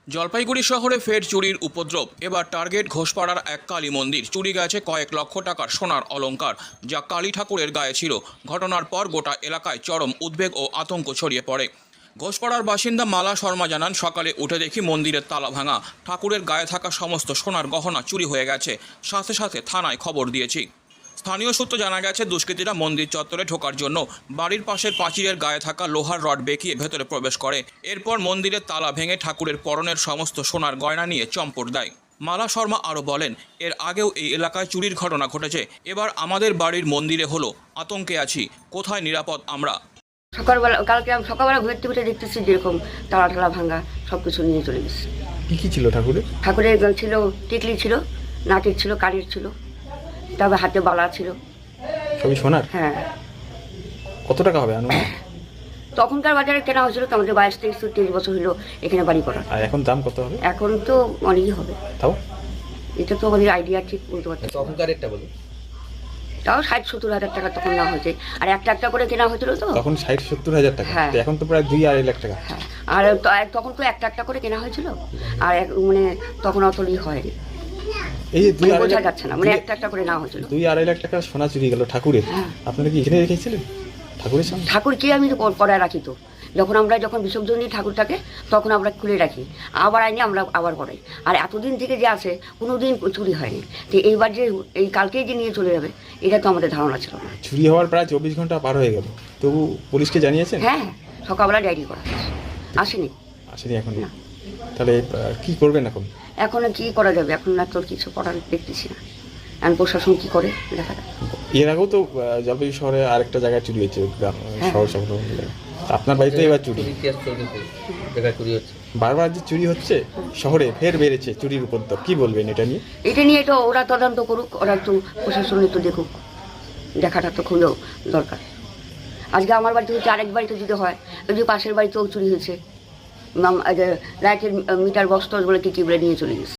জলপাইগুড়ি শহরে ফের চুরির উপদ্রব। এবার টার্গেট ঘোষপাড়ার এক কালী মন্দির। চুরি গেছে কয়েক লক্ষ টাকার সোনার অলংকার, যা কালী ঠাকুরের গায়ে ছিল। ঘটনার পর গোটা এলাকায় চরম উদ্বেগ ও আতঙ্ক ছড়িয়ে পড়ে। ঘোষপাড়ার বাসিন্দা মালা শর্মা জানান, সকালে উঠে দেখি মন্দিরের তালা ভাঙা, ঠাকুরের গায়ে থাকা সমস্ত সোনার গহনা চুরি হয়ে গেছে। সাথে সাথে থানায় খবর দিয়েছি। স্থানীয় সূত্র জানা গেছে, দুষ্কৃতীরা মন্দির চত্বরে ঢোকার জন্য বাড়ির পাশের পাঁচিলের গায়ে থাকা লোহার রড বেঁকিয়ে ভেতরে প্রবেশ করে। এরপর মন্দিরের তালা ভেঙে ঠাকুরের পরনের সমস্ত সোনার গয়না নিয়ে চম্পট দেয়। মালা শর্মা আরও বলেন, এর আগেও এই এলাকায় চুরির ঘটনা ঘটেছে। এবার আমাদের বাড়ির মন্দিরে হলো। আতঙ্কে আছি, কোথায় নিরাপদ আমরা? কালকে আমি সকালবেলা ঘুরতে ঘুরতে দেখতেছি যেরকম তালা টালা ভাঙা সব কিছু নিয়ে চলে গেছে। কি ছিল ঠাকুরের? ঠাকুরের ছিল টিকলি ছিল, নাকের ছিল, কানের ছিল, তারপর হাতে বালা ছিল। সবই সোনার? হ্যাঁ। কত টাকা হবে আনুমানিক? তখনকার বাজারে কেনা হয়েছিল তো, আমাদের 22-23 বছর হলো এখানে বাড়ি করা। আর এখন দাম কত হবে? এখন তো অনেকই হবে। তাও এটা তো আমাদের আইডিয়া ঠিক বলতে পারছি। তখনকার একটা বলুন। তাও 60-70 হাজার টাকা তখন নেওয়া হয়েছে, আর একটা একটা করে কেনা হয়েছিল তো। তখন 60-70 হাজার টাকা, হ্যাঁ। তো এখন তো প্রায় 2-2.5 লাখ টাকা। হ্যাঁ, আর তখন তো একটা একটা করে কেনা হয়েছিল, আর মানে তখন অতই হয়নি, এই যে বোঝা যাচ্ছে না, মানে একটা একটা করে নেওয়া হয়েছিল। 2-2.5 লাখ টাকা সোনা চুরি গেল ঠাকুরের। হ্যাঁ। আপনারা কি এখানে রেখেছিলেন ঠাকুরের সামনে? ঠাকুরকে আমি তো করায় রাখি তো, যখন বিসর্জন দিই ঠাকুরটাকে, তখন আমরা খুলে রাখি, আবার আইনি আমরা আবার করাই। আর এতদিন থেকে যে আছে কোনো দিন চুরি হয়নি, তো এইবার যে এই কালকেই যে নিয়ে চলে যাবে, এটা তো আমাদের ধারণা ছিল না। চুরি হওয়ার প্রায় 24 ঘন্টা পার হয়ে গেল, তবু পুলিশকে জানিয়েছেন? হ্যাঁ, সকালবেলা ডায়েরি করা আসেনি। আসেনি এখন? না। তাহলে কি করবেন এখন? এখন কি করা যাবে, এখন না তোর কিছু করার দেখতেছি না, এখন প্রশাসন কি করে দেখা যাক। এর আগেও তো জলপাইগুড়ি শহরে আরেকটা জায়গায় চুরি হয়েছে, শহর সংলগ্ন জায়গায়। আপনার বাড়িতে এবার চুরি, ইতিহাস চলতেছে, বেকার চুরি হচ্ছে। বারবার যে চুরি হচ্ছে শহরে, ফের বেড়েছে চুরির উপদ্রব, কি বলবেন এটা নিয়ে? এটা ওরা তদন্ত করুক, ওরা একটু প্রশাসন একটু দেখুক, দেখাটা তো খুবই দরকার। আজকে আমার বাড়িতে হচ্ছে, আরেক বাড়িতে যদি হয়, ওই যে পাশের বাড়িতেও চুরি হয়েছে, লাইটের মিটার বক্স বলে কি বলে নিয়ে চলে গেছে।